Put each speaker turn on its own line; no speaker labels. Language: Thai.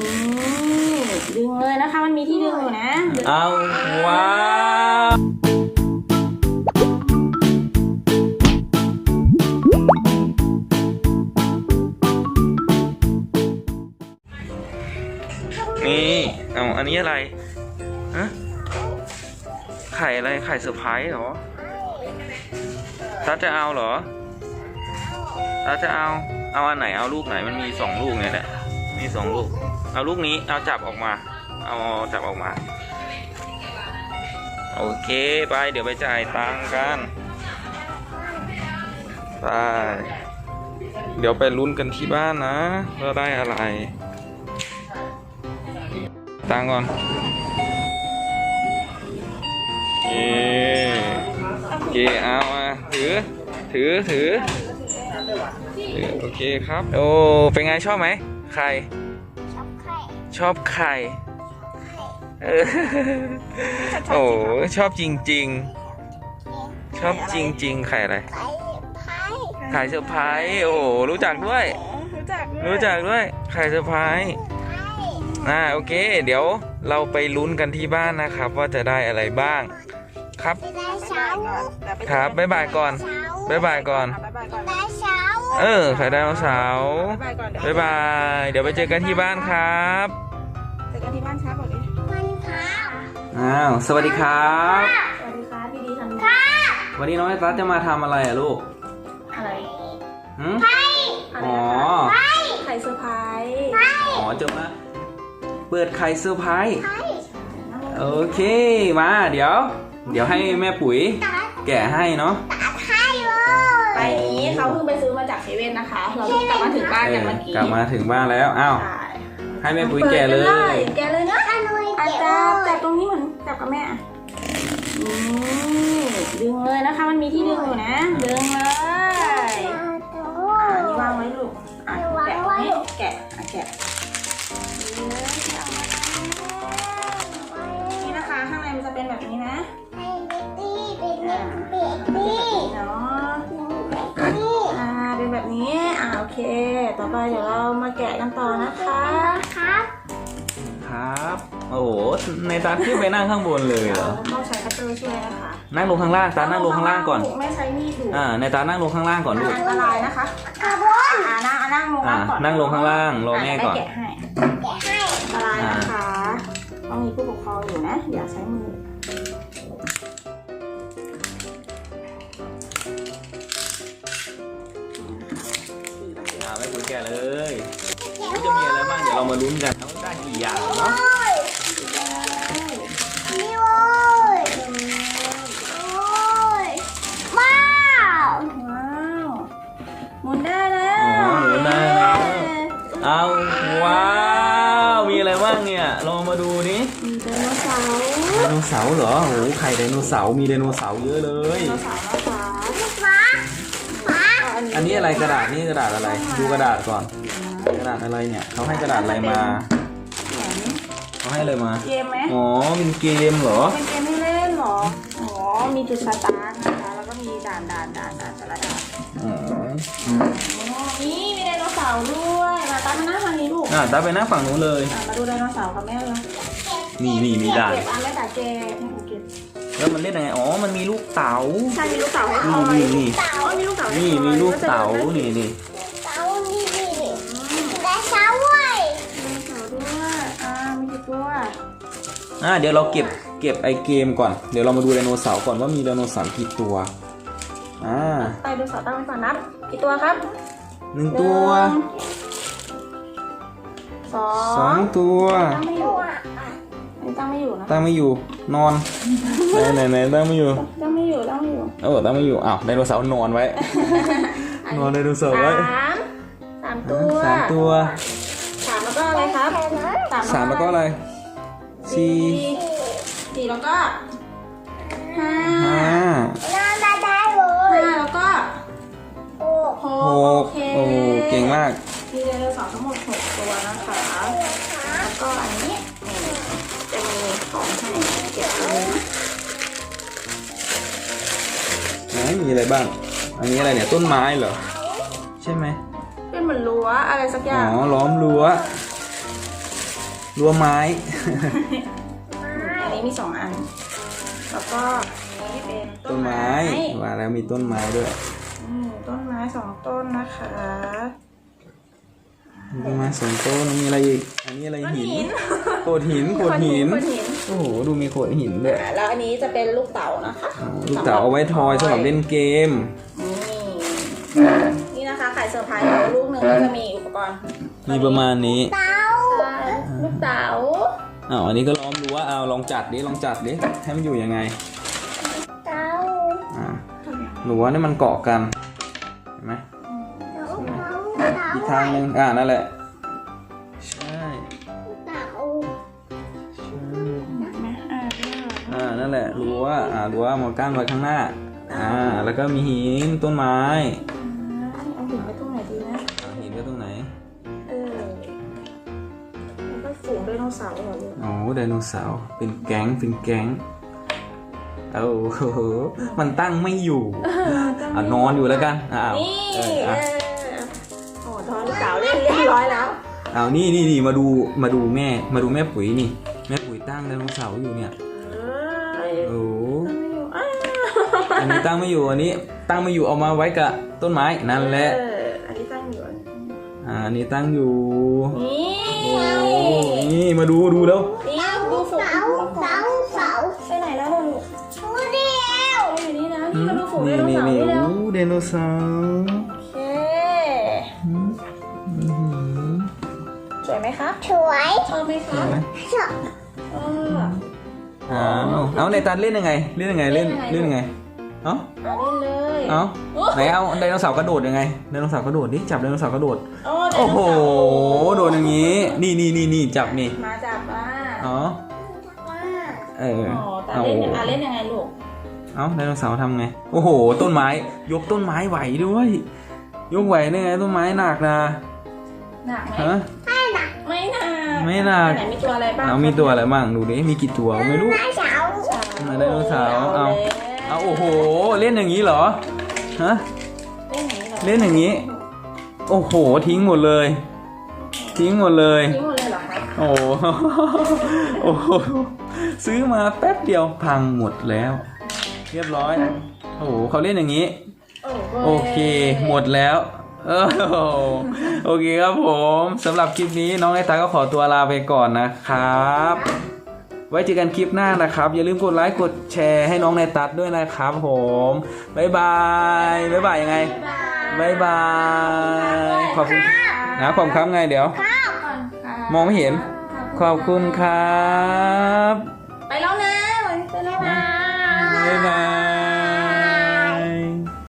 ดึงเลยนะคะมันมีที่ดึงอยู่นะ
เอาว้าวนี่เอาอันนี้อะไรฮะไข่อะไรไข่เซอร์ไพรส์เหรอตาจะเอาเหรอตาจะเอาอันไหนเอาลูกไหนมันมี2ลูกเนี่ยแหละมี2ลูกเอาลูกนี้เอาจับออกมาเอาจับออกมาโอเคไปเดี๋ยวไปจ่ายตังค์กันไปเดี๋ยวไปลุ้นกันที่บ้านนะว่าได้อะไรตังค์ก่อนโอเคเอามาถือโอเคครับโอ้เป็นไงชอบไหมไข่ชอบไข่โอ้ชอบจริงๆชอบจริงๆไข่อะไรไข่เซอร์ไพรส์โอ้รู้จักด้วยไข่เซอร์ไพรส์โอเคเดี๋ยวเราไปลุ้นกันที่บ้านนะครับว่าจะได้อะไรบ้างครับครับบ๊ายบายก่อนไข่ไดโนเสาร์บ๊ายบายเดี๋ยวไปเจอกันที่บ้านครับ
เจอกันที่บ้านครับบอกดิ
สวัสดีครับ
สวัสดีครับดีๆทำค่ะ
วันนี้น้องไอซัสจะมาทำอะไรลูก
อะไร
ไข่อ๋อ
ไข่เซอร์ไพรส์
อ๋อจะมาเปิดไข่เซอร์ไพรส์โอเคมาเดี๋ยวให้แม่ปุ๋ยแกะให้เนาะ
ไปนี้เขาเพิ่งไปซื้อมาจากเซเว่นนะคะเรากลับมาถึงบ้านกันเมื่อกี้
กลับมาถึงบ้านแล้วให้แม่ปุ๋ยแกะเลย
นะจับตรงนี้เหมือนจับกับแม่ดึงเลยนะคะมันมีที่ดึงอยู่นะดึงเลยนี่วางไว้ลูกแกะนี้แกะนี่นะคะข้างในมันจะเป็นแบบนี้นะเป็นแบบนี้โอเคต่อไปเดี๋ยวเรามาแกะกันต่อนะคะ
ครับโอ้โหในตาขึ้นไปนั่งข้างบนเลยเหรอ
ต้องใช้คัตเตอร์ช่วยนะคะ
นั่งลงข้างล่างตานั่งลงข้างล่างก่อน
ไม่ใช้มีดดู
ในตานั่งลงข้างล่างก่อนลูก
อันตรายนะคะนั่งลงก่อน
นั่งลงข้างล่างรอแม่ก่อน
แกะให้อันตรายนะคะต้องมีผู้ปกครองอยู่นะอย่าใช้มือ
ไม่ปุ๋ยแกะเลยจะมีอะไรบ้างเดี๋ยวเรามาลุ้นกันว่าได้กี่อย่างเนาะ
หมุนได้แล้ว
เอาว้าวมีอะไรบ้างเนี่ยลองมาดูนี่
มีไดโนเสา
ร์เหรอโอ้ไข่ไดโนเสาร์มีไดโนเสาร์เยอะเลยอันนี้อะไรกระดาษนี่กระดาษอะไรดูกระดาษก่อนกระดาษอะไรเนี่ยเขาให้กระดาษอะไรมาเขาให้อะไรมา
เกมไหม
อ๋อเป็นเกมเหรอ
เป็นเกมให้เล่นเหรออ๋อมีจุดสตาร์ทนะคะแล้วก็มีด่านแต่ละด่านนี่มีไดโนเสาร์ด้วยมาตามาหน้าทางนี้ลูก
ตาไปหน้าฝั่งนู้นเลย
มาดูไดโนเสาร์กับแม่เลย
มีด่าน
เก็บอันแม่แต่เก็บ
แล้วมันเล่นยังไงอ๋อมันมีลูกเต๋า
ใช่มีลูกเต๋าให้คอย
มีลูกเต๋านี่มีลูกเต๋านี่
ได้เสาด้วยมีกี่ตัว
เดี๋ยวเราเก็บไอเกมก่อนเดี๋ยวเรามาดูไดโนเสาร์ก่อนว่ามีไดโนเสาร์กี่ตัว
ไดโนเสาร์ตั้งไว้ก่อนนับกี่ตัวครับ
1ตัว2ตัว
ตั้งไม่อยู่นะ
ตั้งไม่อยู่นอนไหนตั้งไม่อยู่
ตั้งไม่อยู่
ตั้งไม่อยู่ไดโนเสาร์นอนไว้นอนไดโนเสาร์ไว้
3ตัว
3
แล้วก็อะไรครับ
3แล้วก็อะไร
4แล้วก็5แล้วก็6
โอ้เก่งมาก
มีไดโนเสาร์ทั้งหมด6ตัวนะคะแล้วก็อันนี้จะมีของให้เก็บเลย
มีอะไรบ้างอันนี้อะไรเนี่ยต้นไม้เหรอใช่ไหม
เป็นเหมือนรั้วอะไรสักอย่าง
ล้อมรั้วรั้วไม้
อันนี้มี2 อันแล้วก็อันนี้เป็น
ต้นไม้ว่าแล้วมีต้นไม้ด้วย
ต้นไม้2 ต้นนะคะ
ต้นไม้2 ต้นมีอะไรอีกอันนี้อะไรหินโขดหินโอ้โหดูมีโขดหินด้วย
แล้วอันนี้จะเป็นลูกเต๋านะคะ
ลูกเต๋าเอาไว้ทอยสำหรับเล่นเกม
นี่นะคะไข่เซอร์ไพรส์ลูกหนึ่งก็จะมีอุปกรณ์
มีประมาณนี้
ลูกเต๋า
อันนี้ก็ล้อมรั้วลองจัดดิให้มันอยู่ยังไงรั้วนี่มันเกาะกันเห็นไหมอีกทางหนึ่งนั่นแหละใช่นั่นแหละรั้วมากั้นไว้ข้างหน้าแล้วก็มีหินต้นไม้
เอาหินไว้ตรงไหนดีนะ
หินไว้ตรงไหน
แล้วก็ฝูงไดโนเสาร์เหรอลูก
โอ้ไดโนเสาร์เป็นแก๊งโอ้โหมันตั้งไม่อยู่นอนอยู่แล้วกัน
นี่โอ้ทอนลูกเต๋าเรียบร้อยแล้ว
นี่มาดูแม่ปุ๋ยนี่แม่ปุ๋ยตั้งไดโนเสาร์อยู่เนี่ยโอ้อันนี้ตั้งไม่อยู่อันนี้ตั้งไม่อยู่เอามาไว้กับต้นไม้นั่นแหละ
อันนี้ตั้งอยู่
อันนี้ตั้งอยู่
นี่
นี่มาดูแล้ว
นี่ดูฝูงเสาไปไหนแล้วลูกอยู่นี่นะนี่มาดูฝูงไดโนเสาร์นี่แล้ว
ไดโนเสาร์
โอเคสวยไหมคะชอบไหมคะ
เอาในตันเล่นยังไงเล่นยังไงเล่นยังไง
เล่นเลย
ไหนเอาไดโนเสาร์กระโดดยังไงไดโนเสาร์กระโดดดิจับไดโนเสาร์กระโดดโอ้โหโดดอย่างนี้นี่จับนี่
มาจับมาแต่เล่นยังไงลูก
ไดโนเสาร์ทำไงโอ้โหต้นไม้ยกต้นไม้ไหวด้วยยกไหวได้ไงต้นไม้หนักนะ
หนักไหมไม่หนักไหนมีตัวอะไรบ้าง
มีตัวอะไรบ้างดูดิมีกี่ตัวไม่รู้ไดโนเสาร์เอาโอ้โหเล่นอย่างนี้เหรอฮะเล่นอย่างนี้โอ้โหทิ้งหมดเลยเหรอคะโอ้โหซื้อมาแป๊บเดียวพังหมดแล้วเรียบร้อยโอ้โหเขาเล่นอย่างนี้โอเคหมดแล้วโอเคครับผมสำหรับคลิปนี้น้องไอตาก็ขอตัวลาไปก่อนนะครับไว้เจอกันคลิปหน้านะครับอย่าลืมกดไลค์กดแชร์ให้น้องไอตัดด้วยนะครับผมบ๊ายบายยังไงบ๊ายบายขอบคุณขอบคุณไงเดี๋ยวมองไม่เห็นขอบคุณครับ
ไปแล้วนะบ๊ายบาย